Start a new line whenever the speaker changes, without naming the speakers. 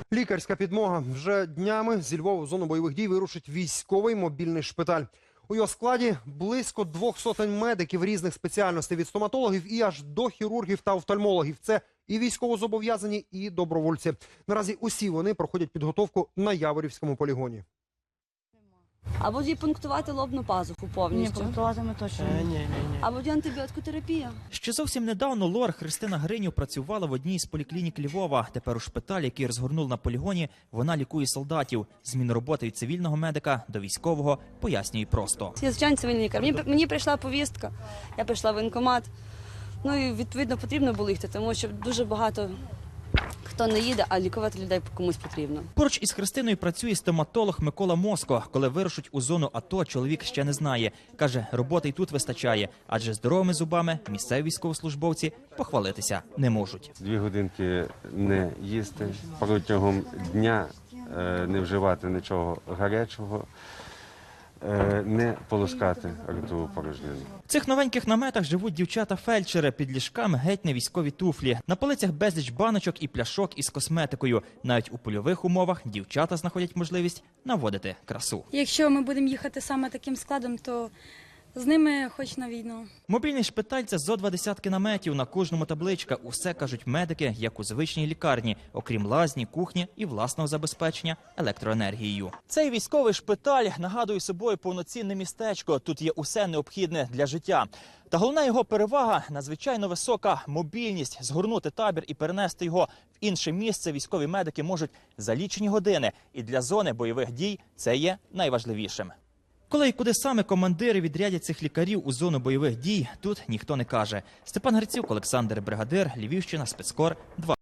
Лікарська підмога. Вже днями зі Львова в зону бойових дій вирушить військовий мобільний шпиталь. У його складі близько 200 медиків різних спеціальностей від стоматологів і аж до хірургів та офтальмологів. Це і військовозобов'язані, і добровольці. Наразі усі вони проходять підготовку на Яворівському полігоні.
А будуть пунктувати лобну пазуху повністю?
Ні, пунктуватиме точно.
Ні. А буде антибіотикотерапія?
Ще зовсім недавно лор Христина Гринів працювала в одній з поліклінік Львова. Тепер у шпиталі, який розгорнули на полігоні, вона лікує солдатів. Зміну роботи від цивільного медика до військового пояснює просто.
Я звичайний цивільний лікар. Мені прийшла повістка, я прийшла в воєнкомат. Ну і відповідно потрібно було їхати, тому що дуже багато хто не їде, а лікувати людей комусь потрібно.
Поруч із Христиною працює стоматолог Микола Моско. Коли вирушить у зону АТО, чоловік ще не знає. Каже, роботи й тут вистачає, адже здоровими зубами місцеві військовослужбовці похвалитися не можуть.
2 годинки не їсти, протягом дня не вживати нічого гарячого, не полоскати ротову порожнину.
В цих новеньких наметах живуть дівчата-фельдшери, під ліжками геть не військові туфлі. На полицях безліч баночок і пляшок із косметикою. Навіть у польових умовах дівчата знаходять можливість наводити красу.
Якщо ми будемо їхати саме таким складом, то з ними хоч на війну.
Мобільний шпиталь – це зо 20 наметів, на кожному табличка. Усе, кажуть медики, як у звичній лікарні, окрім лазні, кухні і власного забезпечення електроенергією. Цей військовий шпиталь нагадує собою повноцінне містечко. Тут є усе необхідне для життя. Та головна його перевага – надзвичайно висока мобільність. Згорнути табір і перенести його в інше місце військові медики можуть за лічені години. І для зони бойових дій це є найважливішим. Коли і куди саме командири відрядять цих лікарів у зону бойових дій, тут ніхто не каже. Степан Грицюк, Олександр Бригадир, Львівщина, Спецкор 2.